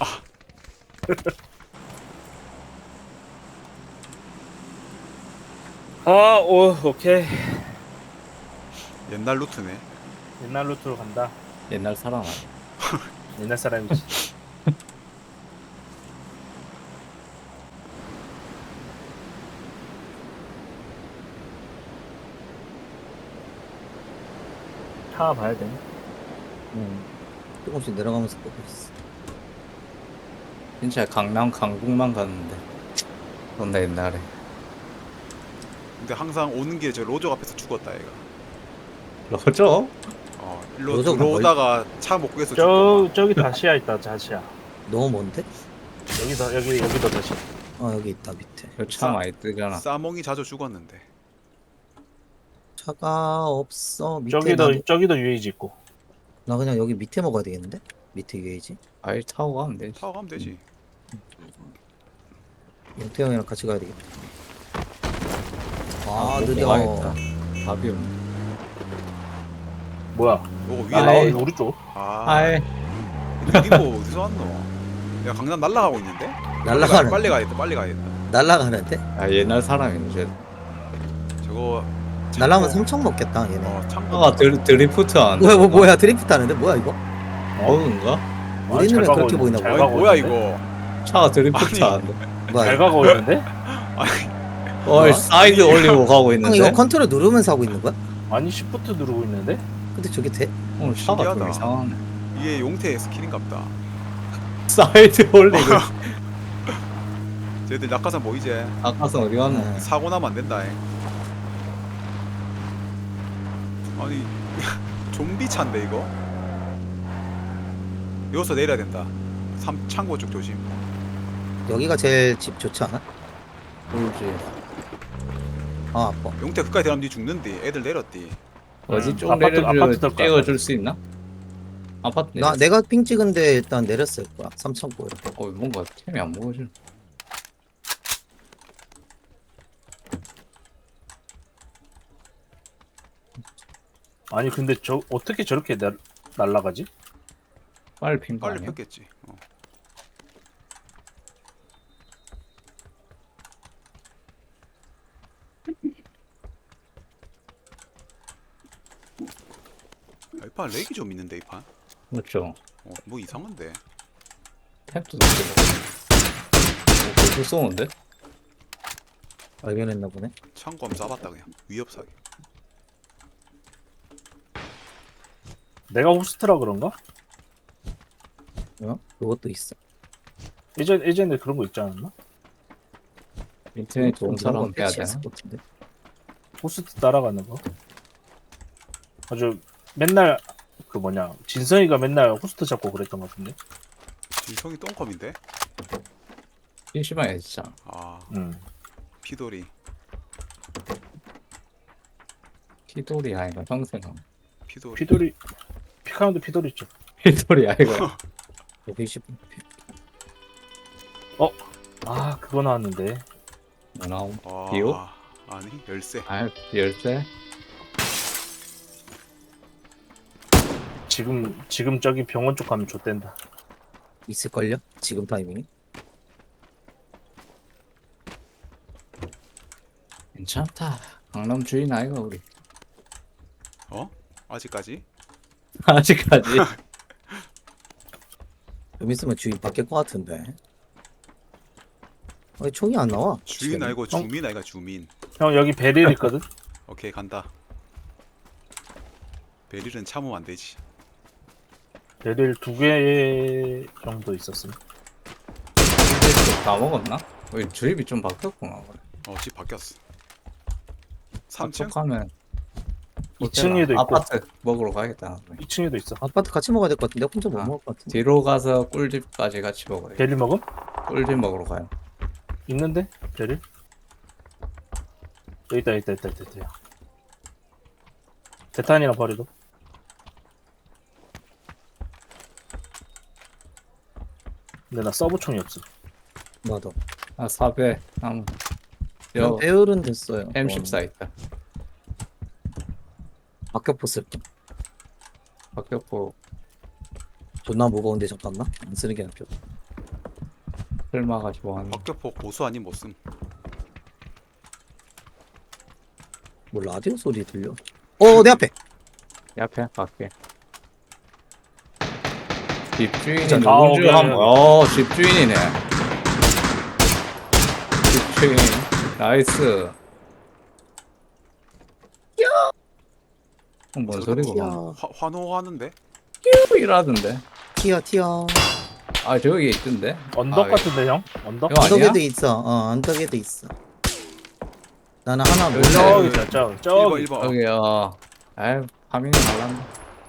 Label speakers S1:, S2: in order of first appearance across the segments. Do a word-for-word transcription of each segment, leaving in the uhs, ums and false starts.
S1: 아, 오, 오케이.
S2: 옛날 루트네.
S1: 옛날 루트로 간다.
S3: 옛날 사람 아니야?
S1: 옛날 사람이지. 차 봐야 되네.
S4: 응. 조금씩 내려가면서 보고 있어.
S3: 진짜 강남 강북만 갔는데 존나 옛날에.
S2: 근데 항상 오는 길에 저 로저 앞에서 죽었다 얘가.
S3: 로저?
S2: 어 일로
S4: 로저가
S2: 들어오다가 차 못 구해서
S1: 저
S2: 죽고.
S1: 저기 다시야 있다. 다시야.
S4: 너무 먼데?
S1: 여기서 여기 여기도 다시.
S4: 아 여기 있다 밑에.
S3: 차 많이 뜨잖아.
S2: 싸몽이 자주 죽었는데.
S4: 차가 없어. 밑에
S1: 저기도
S4: 나도-
S1: 저기도 유에이지 있고.
S4: 나 그냥 여기 밑에 먹어야 되겠는데? 밑에 유에이지.
S3: 아예 타고 가면 되지.
S2: 타고 가면 되지.
S4: 영태 형이랑 같이 가야 되겠다. 아
S3: 먹고
S4: 느려.
S3: 가야겠다. 답이 없네.
S1: 뭐야?
S2: 요거 위에
S1: 아,
S2: 나와.
S1: 여기 우리 쪽.
S2: 아.
S3: 아예
S2: 이거 어디서 왔노? 야 강남 날라가고 있는데?
S4: 날라가는.
S2: 빨리 가야겠다. 빨리 가야겠다.
S4: 날라가는데?
S3: 아 옛날 사람이네. 쟤.
S2: 저거.
S4: 날라면
S2: 창고-
S4: 삼천 먹겠다 얘네.
S2: 어 창고.
S3: 차가 드, 드리프트 안.
S4: 뭐야 뭐 뭐야 드리프트 하는데 뭐야 이거?
S3: 어른가?
S4: 우리
S1: 잘
S4: 눈에
S1: 가고
S4: 그렇게
S1: 있네.
S4: 보이나
S1: 잘
S4: 보네.
S2: 아니
S1: 가고
S2: 뭐야
S1: 있는데?
S2: 이거?
S3: 차가 드리프트
S2: 아니.
S3: 안 돼.
S4: 뭐야
S1: 잘
S4: 이거?
S1: 가고 있는데?
S3: 어이 사이드 올리고 가고
S4: 형
S3: 있는데.
S4: 이거 컨트롤 누르면서 하고 있는 거야?
S1: 아니 시프트 누르고 있는데?
S4: 근데 저게 돼?
S3: 오늘 차가 좀
S2: 신기하다.
S3: 이상하네.
S2: 이게 용태의 스킬인갑다.
S3: 사이드 올리고.
S2: 쟤들 낙하산 뭐 이제
S3: 아까서 어디 갔노?
S4: 네.
S2: 사고 나면 안 된다. 잉. 아니 좀비 차인데 이거? 여기서 내려야 된다. 삼 창고 쪽 조심.
S4: 여기가 제일 집 좋지 않아?
S3: 울지.
S4: 아 아파.
S2: 용태 그까지 들어가면 니 죽는디. 애들 내렸디.
S3: 어디
S1: 음,
S3: 좀
S1: 아파트- 아파트
S3: 내려줄
S1: 될 거야.
S3: 찍어줄 수 있나? 아파트
S4: 나
S3: 내렸어.
S4: 내가 핑 찍은데 일단 내렸을 거야. 삼천 고에.
S3: 어 뭔가 템이 안 먹어져.
S1: 아니 근데 저 어떻게 저렇게 날 날라가지?
S3: 빨리 핀거
S2: 빨리
S3: 아니야?
S2: 폈겠지. 어. 아, 이판 렉이 좀 있는데 이 판.
S3: 그렇죠.
S2: 어, 뭐 이상한데.
S3: 템도 높게 먹어. 벌써 쏘는데?
S4: 발견했나 보네.
S2: 창고 한번 쏴봤다 그냥. 위협사기.
S1: 내가 호스트라 그런가?
S4: 어? 그것도 있어.
S1: 예전 예전에 그런 거 있지 않았나?
S3: 인터넷 좋은 사람 해야 되나?
S4: 패치했을 것 같은데.
S1: 호스트 따라가는 거. 아주 맨날 그 뭐냐 진성이가 맨날 호스트 잡고 그랬던 것 같은데.
S2: 진성이 똥컴인데?
S3: 심심하게 진짜.
S2: 아
S1: 응.
S2: 피돌이.
S3: 피돌이 아이가 평생.
S2: 피돌이.
S1: 피돌이 피카운드 피돌이 있죠.
S3: 피돌이 아이가.
S4: 백십.
S1: 아 그거 나왔는데.
S3: 뭐 나옴?
S2: 아,
S3: 비오?
S2: 아니 열쇠.
S3: 아 열쇠?
S1: 지금 지금 저기 병원 쪽 가면 좆된다.
S4: 있을걸요? 지금 타이밍이?
S3: 괜찮다. 강남 주인 아이가 우리.
S2: 어? 아직까지?
S3: 아직까지.
S4: 좀 있으면 주인 바뀔 것 같은데. 왜 총이 안 나와?
S2: 주인
S4: 지금.
S2: 아니고 주민 아이가 주민.
S1: 형 여기 베릴 있거든.
S2: 오케이 간다. 베릴은 참으면 안 되지.
S1: 베릴 두 개 정도 있었음.
S3: 다 먹었나? 왜 주입이 좀 바뀌었구나. 그래.
S2: 어 집 바뀌었어. 삼 층?
S3: 하면
S1: 이 층에도 있고
S3: 아파트 먹으러 가겠다.
S1: 이 층에도 있어.
S4: 아파트 같이 먹어야 될 것 같은데 혼자 못
S3: 아.
S4: 먹을 것 같은데.
S3: 뒤로 가서 꿀집까지 같이 먹어요.
S1: 베릴 먹음?
S3: 꿀집 먹으러 가요.
S1: 있는데 베릴? 여기 있다 있다 있다 있다 있다. 대탄이나 버리고. 근데 나 서브총이 없어.
S4: 나도.
S3: 아 사배 한
S4: 난
S3: 여
S4: 배율은 됐어요.
S3: 엠 십사 있다.
S4: 박격포 쓸게.
S3: 박격포
S4: 존나 무거운데 잠깐만. 안 쓰는 게 낫죠.
S3: 설마가지고 하는.
S2: 박격포 고수 아닌 못씀.
S4: 뭐 라디오 소리 들려? 어, 내 앞에.
S3: 옆에 갈게. 집주인이
S1: 자,
S3: 누군지
S1: 나오게.
S3: 한번. 어, 집주인이네. 집주인. 나이스. 어, 뭔 소리고?
S4: 튀어,
S3: 막
S2: 화, 환호하는데?
S3: 이라던데.
S4: 튀어, 튀어.
S3: 아, 저기 있던데.
S1: 언덕
S3: 아,
S1: 같은데 형? 언덕?
S3: 이거 아니야?
S4: 언덕에도 있어. 어, 언덕에도 있어. 나는 하나 못
S3: 여기,
S4: 어
S1: 저기 있다 저기
S2: 일 번
S1: 저기
S2: 일 번.
S3: 여기 어. 아유, 파밍이 날란다.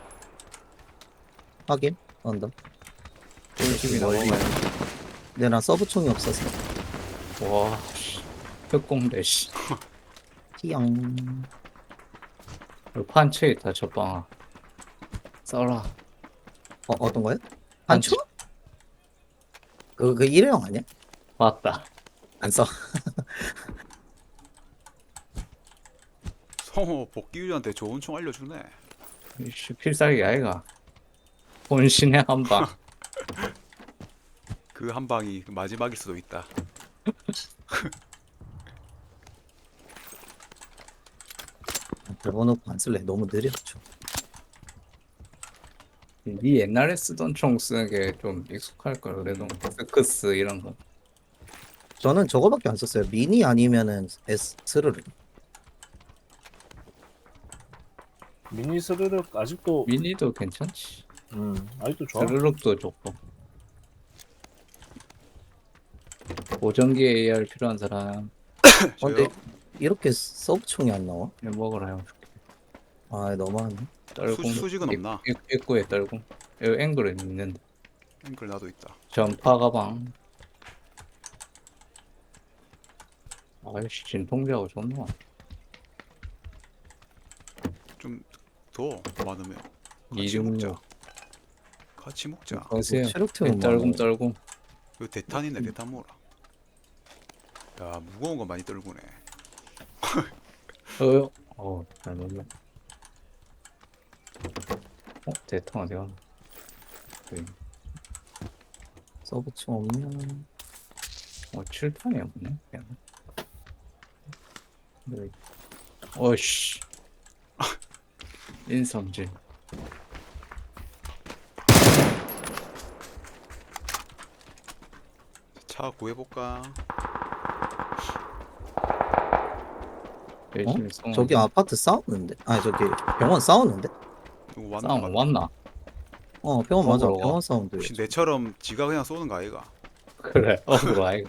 S4: 확인. 언덕.
S3: 꿀집이
S4: 멀리.
S3: 넘어가요.
S4: 근데 나 서브총이 없어서.
S3: 와, 씨. 흑공대 씨.
S4: 튀영.
S3: 여기 판체 있다, 저빵아. 써라.
S4: 어, 어떤 거요? 한초? 그, 그 일회용 아니야?
S3: 맞다.
S4: 안 써.
S2: 성호 복귀유한테 좋은 총 알려주네.
S3: 이씨, 필살기 아이가. 본신의 한방.
S2: 그 한 방이 마지막일 수도 있다.
S4: 접어놓고 안 쓸래. 너무 느렸죠.
S3: 니 옛날에 쓰던 총 쓰는 게 좀 익숙할 걸 그래도 스크스 이런 거.
S4: 저는 저거밖에 안 썼어요. 미니 아니면은 S, 스르르.
S1: 미니 스르륵 아직도
S3: 미니도 괜찮지.
S1: 음 아직도 좋아.
S3: 스르륵도 좋고. 보정기 에이알 필요한 사람
S4: 어, 근데 이렇게 서브총이 안 나와?
S3: 이거 먹으라 형.
S4: 아, 너무하네.
S3: 떨고
S2: 수- 수직은 없나?
S3: 입구에 떨고. 여기 앵글은 있는데.
S2: 앵글 나도 있다.
S3: 전파 가방. 아이씨 진통제하고 좋나.
S2: 좀 더 많으면 같이
S3: 이중료.
S2: 먹자. 같이 먹자.
S3: 거세요.
S4: 체력템은
S3: 떨고
S4: 많아.
S3: 떨고.
S2: 이거 대탄이네. 대탄 모으라. 야 무거운 거 많이 떨구네.
S3: 어, 어, 잘 놀래. 어, 대통 어디 갔나? 여기.
S4: 서브총 없냐?
S3: 어, 칠판이 없네. 그냥. 여기. 어이씨. 인성질.
S2: 차 구해볼까?
S3: 열심히 쏘는
S4: 저기 아파트 싸우는데? 아니, 저기 병원 싸우는데?
S2: 누구 왔나?
S3: 싸움
S2: 봐.
S3: 왔나?
S4: 어, 병원 맞아.
S3: 어그로가?
S4: 병원 사운드.
S2: 혹시 내처럼 지가 그냥 쏘는 거 아이가?
S3: 그래. 어그로 아이가.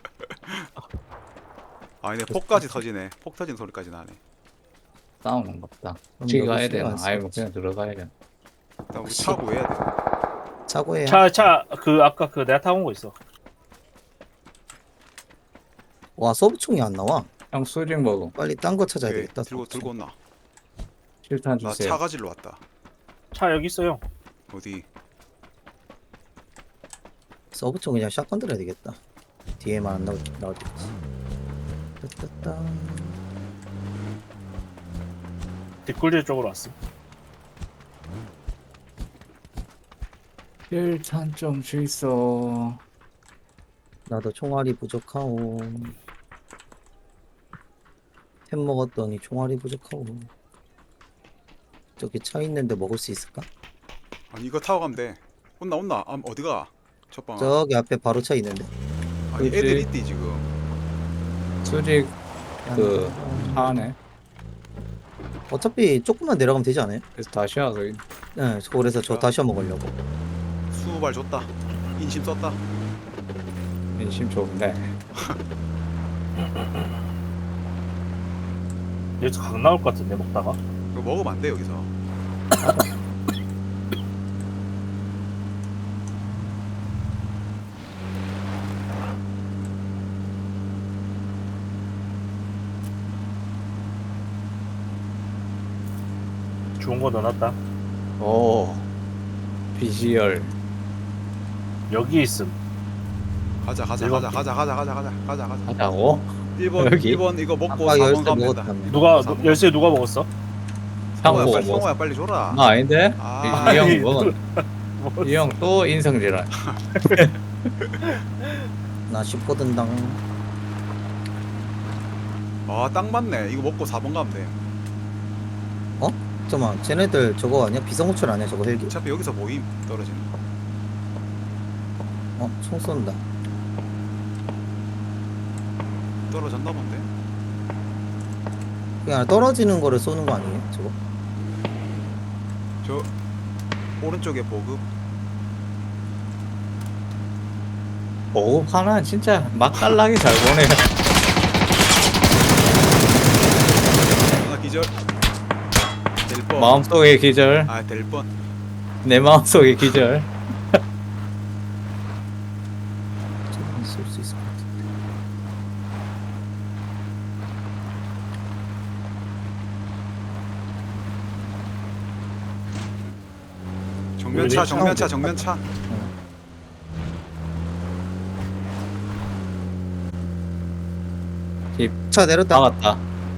S2: 아니 내 폭까지 터지네. 폭 터진 소리까지 나네.
S3: 싸우는 것 같다.
S4: 그럼
S3: 지가
S4: 여기
S3: 가야
S4: 신경
S3: 되나?
S4: 안
S3: 아니면
S4: 쓰겠지.
S3: 그냥 들어가야 되나?
S2: 일단 우리 차 구해야 돼.
S4: 차고해.
S1: 차 차 그 아까 그 내가 타고 온 거 있어.
S4: 와, 서브총이 안 나와.
S3: 형 수직 먹음.
S4: 빨리 딴 거 찾아야
S2: 오케이,
S4: 되겠다.
S2: 들고
S4: 서브총.
S2: 들고 온나?
S3: 실탄
S2: 나
S3: 주세요.
S2: 차가지로 왔다.
S1: 차 여기 있어요.
S2: 어디?
S4: 서브총 그냥 샷건 들어야 되겠다. 뒤에만 안 나올, 나올 때까지. 따따따.
S1: 뒷굴질 쪽으로 왔어.
S3: 실탄 좀 주있어.
S4: 나도 총알이 부족하오. 템 먹었더니 총알이 부족하오. 저기 차 있는데 먹을 수 있을까?
S2: 아니 이거 타고 가면 돼. 온나 온나. 아, 어디가? 첫방.
S4: 저기 앞에 바로 차 있는데.
S2: 아니
S3: 그치.
S2: 애들 있디 지금.
S3: 수직 그 하네.
S4: 어차피 조금만 내려가면 되지 않아요?
S3: 그래서 다시 와서
S4: 네, 그래서 저 다시 먹으려고.
S2: 수발 줬다. 인심 썼다.
S3: 인심 좋은데.
S1: 여기서 각 나올 것 같은데 먹다가.
S2: 이거 먹으면 안 돼 여기서.
S1: 좋은 거 넣어놨다.
S3: 오. 비주얼.
S1: 여기 있음.
S2: 가자 가자
S1: 일번
S2: 가자 가자 가자 가자 가자 가자 가자.
S3: 하자고?
S2: 일 번
S3: 여기?
S2: 일 번 이거 먹고
S4: 아까
S2: 사 번
S4: 열쇠
S2: 가면 된다.
S4: 먹었다며.
S1: 누가
S2: 사 번.
S1: 열쇠 누가 먹었어?
S2: 성호야
S3: 형
S2: 빨리
S3: 뭐
S2: 성호야 빨리 줘라.
S3: 나 아닌데?
S2: 아,
S3: 이 형
S1: 아니,
S3: 먹은. 이 형 또 인성질환.
S4: 나 씹거든 당.
S2: 아, 딱 맞네. 이거 먹고 사 번 가면 돼.
S4: 잠깐만, 쟤네들 저거 아니야? 비상호출 아니야 저거 헬기?
S2: 어차피 여기서 모임 떨어지는 거.
S4: 어? 총 쏜다.
S2: 떨어졌나 본데.
S4: 그냥 떨어지는 거를 쏘는 거 아니에요 저거?
S2: 저 오른쪽에 보급.
S3: 오 하나 진짜 맛깔나게 잘 보네.
S2: 하나 기절. 될 뻔.
S3: 마음속의 기절,
S2: 아, 될 뻔.
S3: 내 마음속의 기절.
S4: 저건 쏠수 있을 것 같은데.
S2: 정면차,
S1: 우리
S2: 정면차, 정면차.
S4: 차 내렸다.
S3: 나갔다.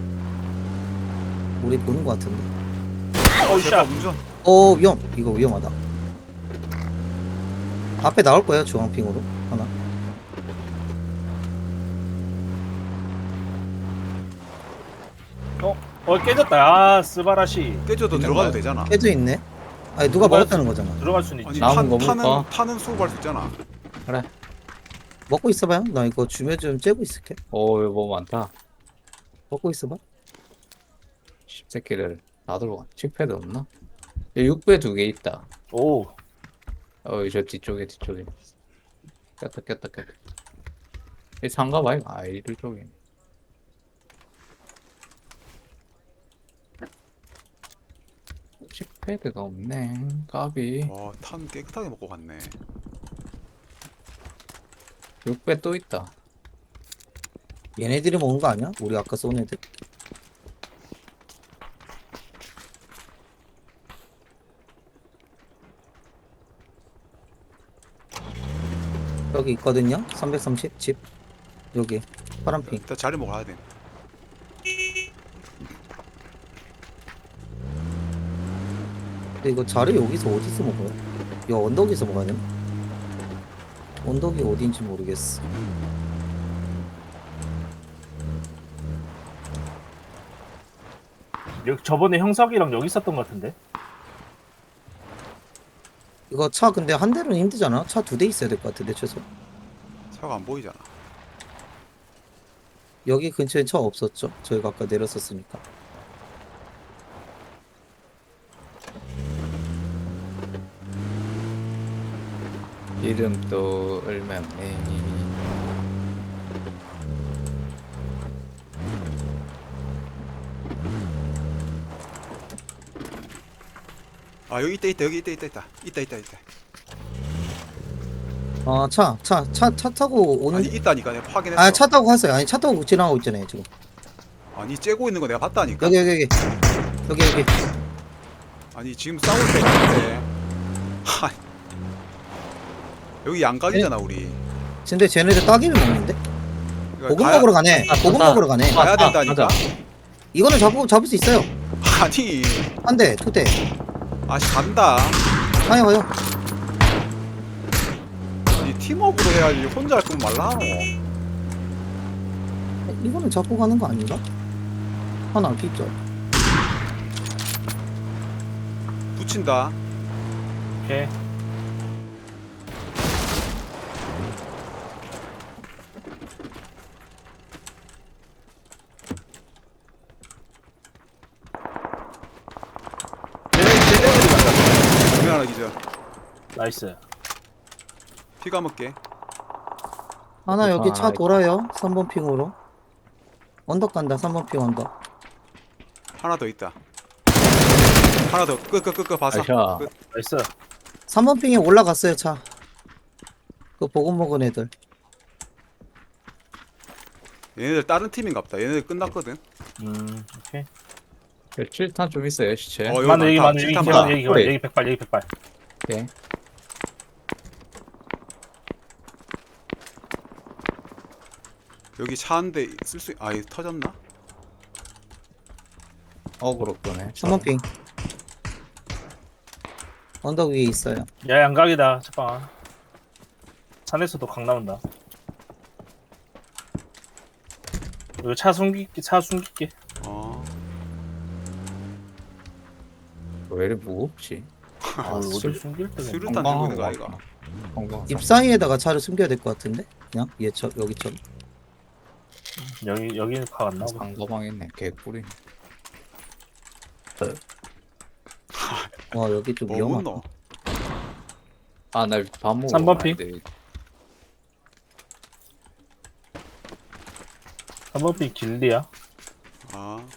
S4: 우리 보는 거 같은데.
S1: 어우
S2: 제발
S1: 샷.
S2: 운전.
S4: 어 위험. 이거 위험하다. 앞에 나올 거예요 주황핑으로 하나.
S1: 어 깨졌다. 아 스바라시.
S2: 깨져도
S4: 있는
S2: 들어가도
S4: 거야?
S2: 되잖아.
S4: 깨져 있네. 아니 누가
S1: 누가
S4: 먹었다는 거잖아.
S1: 들어갈 수는 있지.
S2: 아니,
S3: 남은
S2: 탄,
S3: 거
S2: 타는
S3: 볼까?
S2: 타는 수급할 수 있잖아.
S3: 그래.
S4: 먹고 있어봐요. 나 이거 주면 좀 째고 있을게.
S3: 오 이거 뭐 많다.
S4: 먹고 있어봐.
S3: 십새끼를 다 들어가. 칙패드 없나? 육 배 두 개 있다.
S1: 오.
S3: 어, 저 뒤쪽에 뒤쪽에. 꼈다 꼈다 꼈다. 이 상가 봐요. 아, 이들 쪽에. 칙패드가 없네. 까비.
S2: 와, 탄 깨끗하게 먹고 갔네.
S3: 육 배 또 있다.
S4: 얘네들이 먹은 거 아니야? 우리 아까 쏜 애들. 여기 있거든요. 삼백삼십 집. 여기 파란핑.
S2: 일단 자리 먹어야 돼.
S4: 근데 이거 자리 여기서 어디서 먹어요? 이 언덕에서 먹어야 되나? 언덕이 어딘지 모르겠어.
S1: 여기 저번에 형석이랑 여기 있었던 것 같은데.
S4: 이거 차 근데 한 대는 힘들잖아. 차 두 대 있어야 될 것 같은데 최소.
S2: 차가 안 보이잖아.
S4: 여기 근처에 차 없었죠? 저희가 아까 내렸었으니까.
S3: 이름도 얼마네.
S2: 아, 여기 있다, 있다, 여기 있다, 있다, 있다, 있다, 있다, 있다.
S4: 아, 차, 차, 차, 차 타고 오는.
S2: 아니, 있다니까 내가 확인했어.
S4: 아, 차 타고 갔어요. 아니, 차 타고 지나가고 있잖아요, 지금.
S2: 아니, 째고 있는 거 내가 봤다니까.
S4: 여기, 여기, 여기. 여기, 여기.
S2: 아니, 지금 싸울 때 있는데. 하. 여기 양각이잖아, 우리.
S4: 근데 쟤네들 따기를 먹는데?
S2: 그러니까
S4: 고급
S2: 가야-
S4: 먹으러 가네.
S3: 아,
S4: 고급
S3: 아,
S4: 먹으러 가네.
S3: 아,
S2: 가야 된다니까.
S3: 가자.
S4: 이거는 잡고, 잡을 수 있어요.
S2: 아니,
S4: 한 대, 두 대.
S2: 아씨 간다.
S4: 가요, 가요.
S2: 아니, 팀업으로 해야지. 혼자 할 거면 말라 하노.
S4: 이거는 잡고 가는 거 아닌가? 하나 있죠.
S2: 붙인다.
S1: 오케이.
S2: 정면 하나 기절.
S1: 나이스.
S2: 피 감을게.
S4: 하나 여기 차
S3: 아,
S4: 돌아요. 삼 번 핑으로. 언덕 간다, 삼 번 핑 언덕.
S2: 하나 더 있다. 하나 더. 끝, 끝, 끝, 끝. 봐서.
S3: 아샤.
S2: 끝.
S1: 나이스.
S4: 삼 번 핑에 올라갔어요, 차. 그 보급 먹은 애들.
S2: 얘네들 다른 팀인갑다. 얘네들 끝났거든.
S1: 음 오케이.
S3: 칠 탄 좀 있어요, 시체.
S2: 어, 여기
S1: 많아 여기
S2: 많다.
S1: 많아 여기
S2: 칠탄
S1: 기만
S2: 많아.
S1: 여기 기만
S3: 그래.
S1: 여기 백발 여기 백발.
S3: 오케이.
S2: 여기 차 한 대 쓸 수, 아, 이거 터졌나?
S3: 어그로 끄네.
S4: 삼 번 핑. 언덕 위에 있어요.
S1: 야 양각이다. 잠깐. 산에서도 강 나온다. 이거 차 숨길게 차 숨길게.
S2: 어.
S3: 왜 이리 무겁지?
S1: 아,
S3: 아,
S1: 어디
S3: 술,
S1: 숨길 때가 있나?
S2: 수류탄 들고 있는 거 아이가?
S3: 건강.
S4: 집 사이에다가 차를 숨겨야 될 것 같은데? 그냥 얘처 여기처럼.
S1: 여기 여기는 가안 나오고.
S3: 상가방 있네. 개꿀이.
S4: 와 여기 좀
S2: 뭐
S4: 위험하다.
S2: 묻노?
S3: 아, 나 밥 먹어.
S1: 삼 번 핑. 한번핀 길리야.
S2: 아.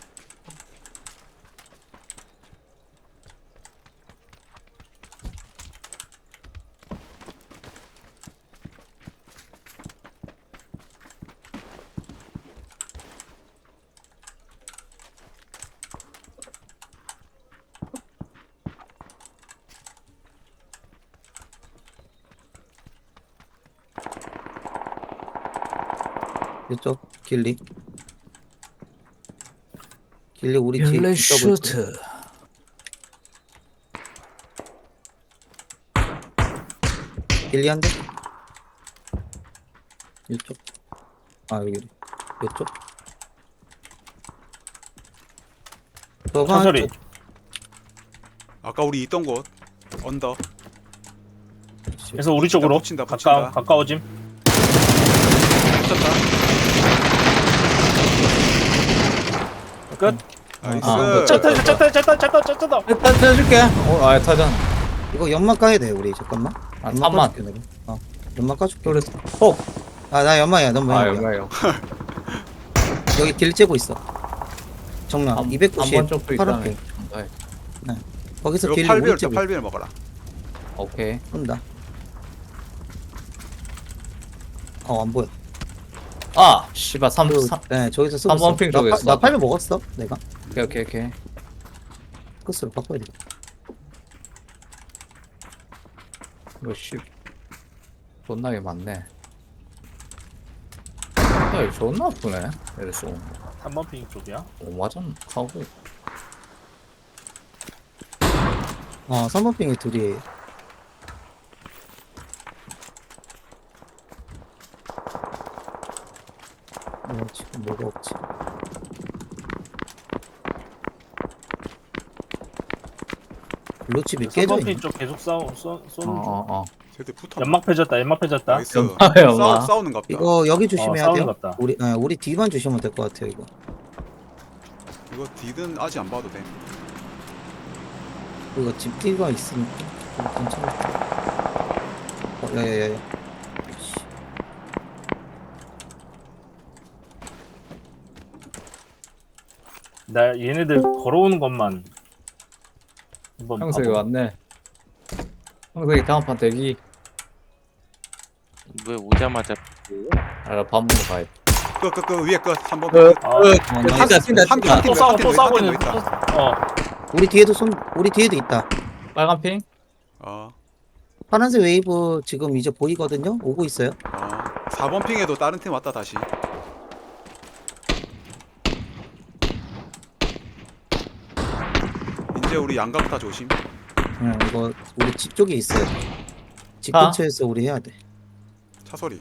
S4: 이쪽 길리. 길리 우리 뒤에
S3: 옐레
S4: 붙잡고 있거든.
S3: 슈트.
S4: 길리 한 대. 이쪽. 아 여기. 이쪽. 저거
S1: 차소리.
S2: 아까 우리 있던 곳 언더.
S1: 그래서 우리 쪽으로
S2: 붙인다,
S1: 가까
S2: 붙인다.
S1: 가까워짐.
S2: 붙였다.
S1: 끝.
S2: 나이스.
S3: 아,
S1: 짰다 짰다 짰다 짰다 짰다.
S3: 일단 쳐줄게. 어, 아, 타잖아.
S4: 이거 연막 까야 돼 우리 잠깐만.
S3: 아,
S4: 연막
S3: 삼만.
S4: 까줄게, 내가. 어 연막 까줄게.
S3: 그래서. 어.
S4: 아나 연막이야 넌
S3: 아,
S4: 뭐야?
S3: 여기요.
S4: 여기 길 째고 있어. 정면
S3: 한번
S4: 이백구십
S3: 쪽도 있다네.
S4: 파란색.
S3: 네.
S4: 거기서
S2: 이거
S4: 길리
S2: 팔
S4: 우리
S2: 비엘
S4: 째고
S2: 팔 비엘 먹어라.
S3: 오케이.
S4: 온다. 어안 보여.
S3: 아, 씨발 삼
S4: 그,
S3: 삼.
S4: 네 저기서 쓰고
S3: 삼 번
S4: 있어.
S3: 핑
S4: 나,
S3: 쪽에
S4: 파-
S3: 있어.
S4: 나 팔 배 먹었어 내가.
S3: 오케이, 오케이, 오케이.
S4: 끝으로 바꿔야 돼.
S3: 이거 씨. 존나게 많네. 야, 이거 존나 아프네. 이랬어.
S1: 삼번핀 쪽이야.
S3: 오, 맞았나? 하고.
S4: 어 삼 번 핑이 둘이에요. 어 지금 뭐가 없지? 블루칩이 깨져
S1: 삼번핀
S4: 있네.
S1: 쪽 계속 싸우 쏘
S3: 어,
S1: 쏘는 중.
S3: 어, 어.
S2: 쟤들 붙어.
S1: 연막 펴졌다. 연막 펴졌다.
S2: 나이스.
S3: 연마야, 연마.
S2: 싸우, 싸우는 갑다.
S4: 이거 여기
S1: 어,
S4: 조심해야
S1: 싸우는
S4: 돼요.
S1: 것 같다.
S4: 우리 아, 우리 뒤만 주시면 될 것 같아요 이거.
S2: 이거 디든 아직 안 봐도 돼.
S4: 이거 집 뒤가 있으니까 좀 괜찮을 것 같아. 어, 야야야야.
S1: 나 얘네들 걸어오는 것만 한번
S3: 형석이
S1: 봐봐.
S3: 왔네. 형석이 다음 판 대기.
S5: 왜 오자마자
S3: 아, 나밥 먹으러 가야 돼.
S2: 끝끝끝 위에 끝 한 번.
S3: 끝.
S2: 끝.
S1: 아,
S4: 어, 나
S3: 뛴다, 뛴다,
S2: 한
S3: 뛴다.
S2: 팀,
S1: 또 싸워
S2: 한
S1: 또
S2: 팀,
S1: 싸우고
S2: 한 팀
S1: 있는.
S2: 더 있다.
S1: 어
S4: 우리 뒤에도 손 우리 뒤에도 있다.
S3: 빨간 핑?
S2: 어.
S4: 파란색 웨이브 지금 이제 보이거든요. 오고 있어요.
S2: 어. 사 번 핑에도 다른 팀 왔다 다시. 이제 우리 양각 다 조심.
S4: 응, 이거 우리 집 쪽에 있어요. 집
S3: 아.
S4: 근처에서 우리 해야 돼.
S2: 차 소리.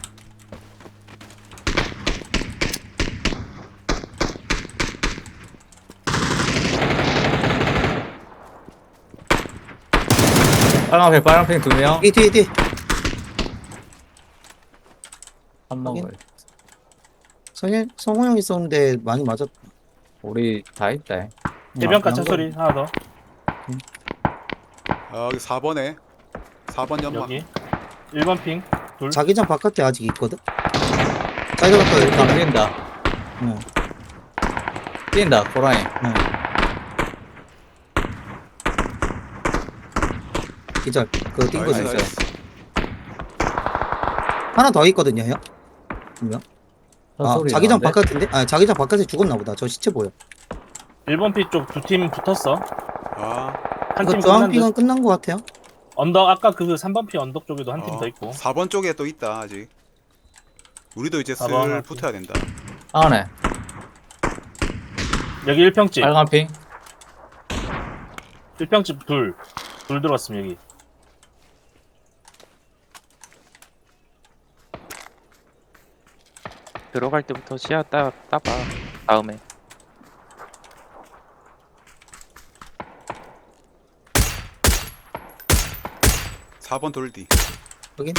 S3: 빨간 핑, 빨간 핑 두 명.
S4: 이 뒤에 뒤에.
S3: 한 먹을.
S4: 성현 성호 형 있었는데 많이 맞았.
S3: 우리 다 있다.
S1: 해변가
S4: 아,
S1: 차 소리 하나 더.
S2: 아, 여기 사 번에 사 번 연막.
S1: 여기 일 번 핑 둘.
S4: 자기장 바깥에 아직 있거든. 자기장 바깥에 이렇게.
S3: 당긴다.
S4: 응,
S3: 뛴다, 고라니.
S4: 응. 기절. 그거 뛴 거지.
S2: 나이스, 나이스.
S4: 하나 더 있거든요, 형. 분명. 아,
S3: 소리
S4: 자기장
S3: 나는데?
S4: 바깥인데? 아, 자기장 바깥에 죽었나 보다. 저 시체 보여.
S1: 일 번 핑 쪽 두 팀 붙었어.
S2: 아.
S1: 한
S4: 이거
S1: 팀 끝난
S4: 주황핑은
S1: 듯.
S4: 끝난 것 같아요.
S1: 언덕 아까 그 삼 번 핑 언덕 쪽에도 한 팀
S2: 어,
S1: 더 있고.
S2: 사 번 쪽에 또 있다 아직. 우리도 이제
S1: 사 번
S2: 슬
S1: 하나
S2: 붙어야 된다.
S3: 안에.
S1: 여기 일 평집.
S3: 빨간 핑.
S1: 일 평집 둘. 둘 들어왔으면 여기.
S5: 들어갈 때부터 시야 따 따봐. 다음에
S2: 사 번 돌디.
S4: 여기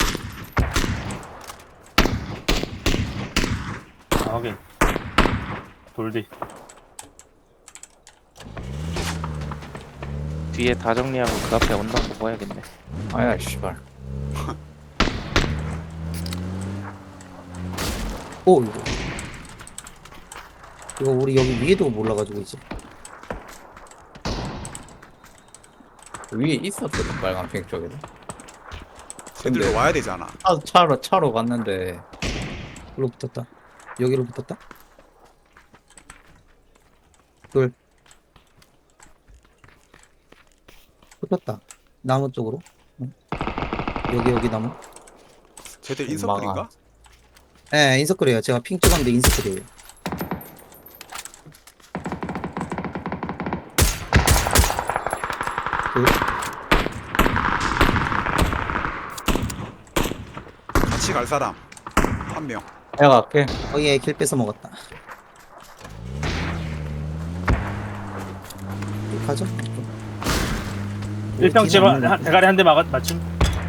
S1: 아, 확인. 돌디.
S5: 뒤에 다 정리하고 그 앞에 언덕 먹어야겠네.
S3: 아야 씨발.
S4: 오 이거 이거 우리 여기 위에도 몰라가지고 이제
S3: 위에 있었거든 빨간 핑 쪽에도.
S2: 쟤들도
S3: 근데
S2: 와야 되잖아.
S3: 차, 차로 차로 갔는데
S4: 여기로 붙었다. 여기로 붙었다. 둘 붙었다. 나무 쪽으로. 응. 여기 여기 나무.
S2: 쟤들 인서클인가?
S4: 예, 인서클이에요. 제가 핑 찍었는데 인서클이에요. 둘.
S2: 같이 갈 사람 한 명.
S3: 내가 갈게.
S4: 거기에 길 뺏어 먹었다. 가죠.
S1: 일평집
S4: 뒤는
S1: 한- 대가리 한 대 맞춤.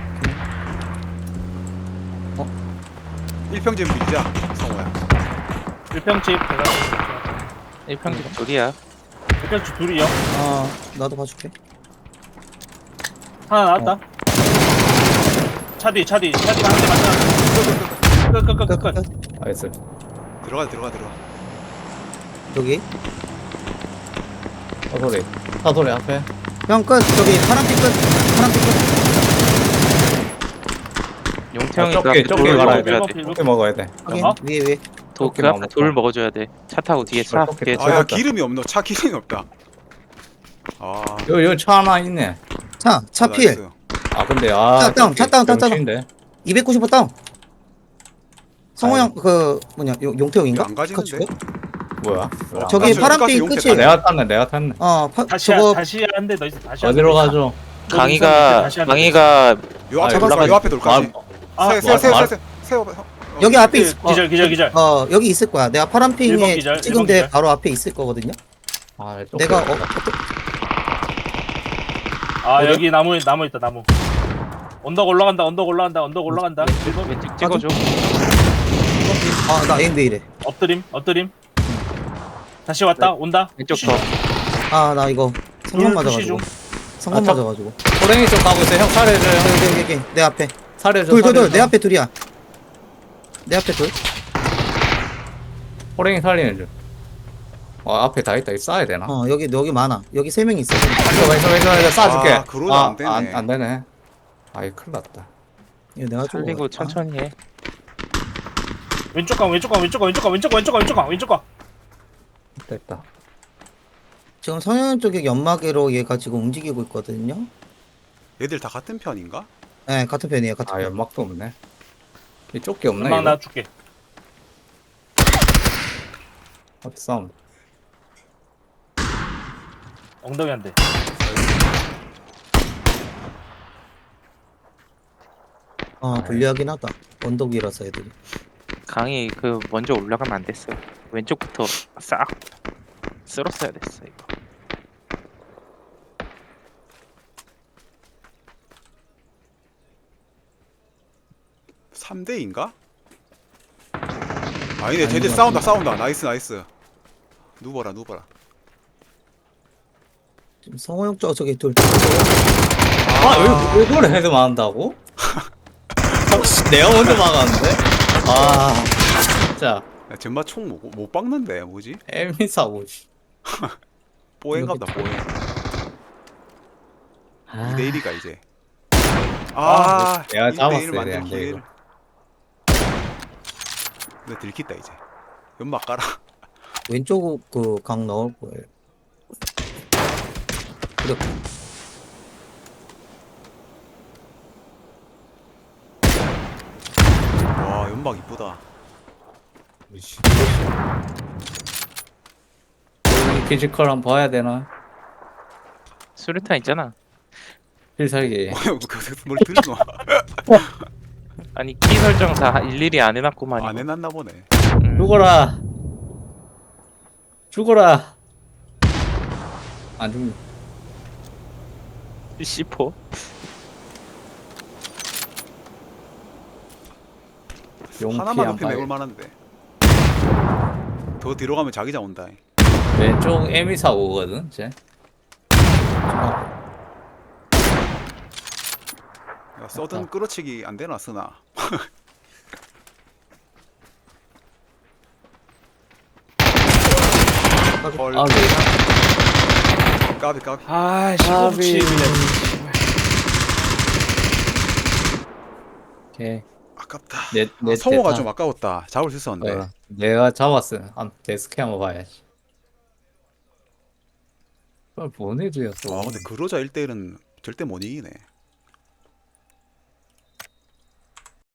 S2: 일평집 밀자. 성호야.
S1: 일평집 대가리.
S5: 일평집 둘이야.
S1: 일평집 둘이요.
S4: 아, 나도 봐줄게.
S1: 하나 나왔다. 차 뒤, 차 뒤, 차 뒤가 한 대 맞다. 끝, 끝, 끝, 끝, 끝.
S3: 나이스.
S2: 들어가 들어가 들어가.
S4: 여기.
S3: 사소리. 사소리 앞에.
S4: 형 끝. 저기 파란빛 끝. 파란빛 끝.
S5: 용태형이
S3: 아,
S5: 그 앞에
S3: 좁게 좁게
S5: 돌
S3: 갈아야
S5: 먹어줘야
S3: 돼.
S5: 돼.
S3: 좁게 먹어야 돼.
S4: 확인.
S1: 어?
S4: 위에 위에.
S5: 도, 그
S3: 좁게
S5: 앞에
S3: 먹어.
S5: 돌 먹어줘야 돼. 차 타고 뒤에 차.
S3: 좁게
S5: 뒤에
S3: 좁게
S5: 차.
S2: 아야
S3: 먹었다.
S2: 기름이 없노. 차 기름이 없다. 아.
S3: 여기 여기 차 하나 있네.
S4: 차, 차
S2: 아,
S4: 필.
S2: 나이스.
S3: 아 근데 아.
S4: 차 다운, 차 다운, 차 다운.
S3: 병신인데?
S4: 이백구십오 다운. 성호
S3: 아유.
S4: 형, 그, 뭐냐, 용- 용태형인가?
S2: 안 가지는데?
S3: 뭐야? 뭐야?
S4: 저기
S2: 가스,
S4: 파란빛
S2: 가스 용태
S4: 끝이.
S3: 아, 내가 탔네. 내가 탔네.
S4: 어, 파,
S1: 다시,
S4: 저거,
S1: 다시 한 대 더 있어. 다시 한 대
S3: 어디로
S1: 더 있어.
S3: 가죠?
S5: 강희가
S1: 다시 하는
S5: 강희가
S2: 요 앞에
S3: 아,
S2: 돌,
S4: 올라가지.
S2: 요 앞에 돌까지.
S1: 아,
S2: 세, 세, 세,
S3: 말-
S2: 세, 세, 세, 어,
S4: 여기 앞에 있,
S1: 기절, 기절, 기절, 기절.
S4: 어, 여기 있을 거야. 내가
S1: 일번
S4: 파란핑에
S1: 기절,
S4: 찍은
S1: 일번
S4: 데
S1: 기절.
S4: 바로 앞에 있을 거거든요.
S3: 아,
S4: 내가, 어,
S3: 쫓겨.
S1: 아,
S4: 어디야?
S1: 여기 나무, 나무 있다, 나무. 언덕 올라간다, 언덕 올라간다, 언덕 올라간다. 일번
S5: 왼쪽 찍어줘.
S4: 아, 나 에임 왜 이래.
S1: 엎드림, 엎드림. 다시 왔다, 온다.
S5: 왼쪽
S1: 푸시
S5: 더.
S1: 중.
S4: 아, 나 이거 성공
S1: 둘 푸시
S4: 맞아가지고.
S1: 중.
S4: 성공
S3: 아, 저-
S4: 맞아가지고.
S3: 호랭이 쪽 가고 있어. 형 살해줘. 형
S4: 여기, 여기, 여기, 내 앞에.
S3: 살해줘.
S4: 둘, 둘, 둘.
S3: 살해줘.
S4: 내 앞에 둘이야. 내 앞에 둘.
S3: 호랭이 살리는 중. 와 앞에 다 있다. 이거 쏴야 되나?
S4: 어, 여기, 여기 많아. 여기 세 명 있어.
S3: 이거 왼쪽 왼쪽 왼쪽 쏴줄게.
S2: 아, 그러면 안 되네.
S3: 안, 안 되네. 아이 큰일 났다.
S4: 이거 내가 좀.
S5: 살리고 천천히 해.
S1: 왼쪽 강, 왼쪽 강, 왼쪽 강, 왼쪽 강, 왼쪽 강, 왼쪽 강, 왼쪽 강, 왼쪽 강.
S3: 됐다.
S4: 지금 성현 쪽에 연막으로 얘가 지금 움직이고 있거든요.
S2: 얘들 다 같은 편인가?
S4: 네, 같은 편이에요. 같은
S3: 아
S4: 편.
S3: 연막도 없네. 이 쫓기 없네.
S1: 음악
S3: 이거?
S1: 나 줄게.
S3: 어디 싸움?
S1: 엉덩이 한 대.
S4: 어, 불리하긴 하다. 언덕 위라서 애들이.
S5: 강희 그 먼저 올라가면 안 됐어. 왼쪽부터 싹 쓸었어야 됐어 이거.
S2: 삼 대인가? 아니네.
S4: 아닌
S2: 쟤들
S4: 것
S2: 싸운다
S4: 같은데.
S2: 싸운다. 나이스 나이스. 누워라 누워라.
S4: 지금 성호 형 쪽, 저기 둘.
S3: 아 여기 이거를 헤드 맞는다고? 혹시 내가 먼저 막았는데? 아 진짜
S2: 야, 젬마 총 못, 못 박는데 뭐지?
S3: 애미사고.
S2: 뽀행갑다 뽀행.
S3: 아,
S2: 이 대 일이가 이제. 아,
S3: 내가
S2: 일 대 일
S3: 잡았어야
S2: 만들
S3: 되는데,
S2: 기회를.
S3: 이거.
S2: 근데 들켰다 이제. 연막 깔아.
S4: 왼쪽 그 강 나올 거예요. 이렇게.
S2: 와 연막 이쁘다.
S3: 이씨. 여기 피지컬 한번 봐야 되나?
S5: 수류탄 있잖아.
S3: 필살기.
S2: 뭘 들노?
S5: 아니 키 설정 다 일일이 안 해놨구만.
S2: 안
S5: 이거.
S2: 해놨나 보네.
S5: 음,
S4: 죽어라. 죽어라. 안 죽네.
S5: 씨포.
S4: 용피
S2: 하나만
S4: 안
S2: 높이면
S4: 봐요.
S2: 해볼 만한데. 더 뒤로 가면 자기장 온다.
S3: 왼쪽 에미 사고거든 쟤.
S2: 야, 서든
S3: 맞다.
S2: 끌어치기 안 되나 쓰나? 헐.
S4: 아, 네.
S2: 까비 까비.
S1: 아,
S4: 까비.
S1: 시급치 그냥.
S3: 오케이.
S2: 아깝다.
S3: 내,
S2: 아,
S3: 내
S2: 성호가
S3: 대타.
S2: 좀 아까웠다. 잡을 수 있었는데.
S3: 어, 내가 잡았어. 한 데스크 한번 봐야지. 그걸 보내줘야 또.
S2: 와 근데 그로자 일 대 일은 절대 못 이기네.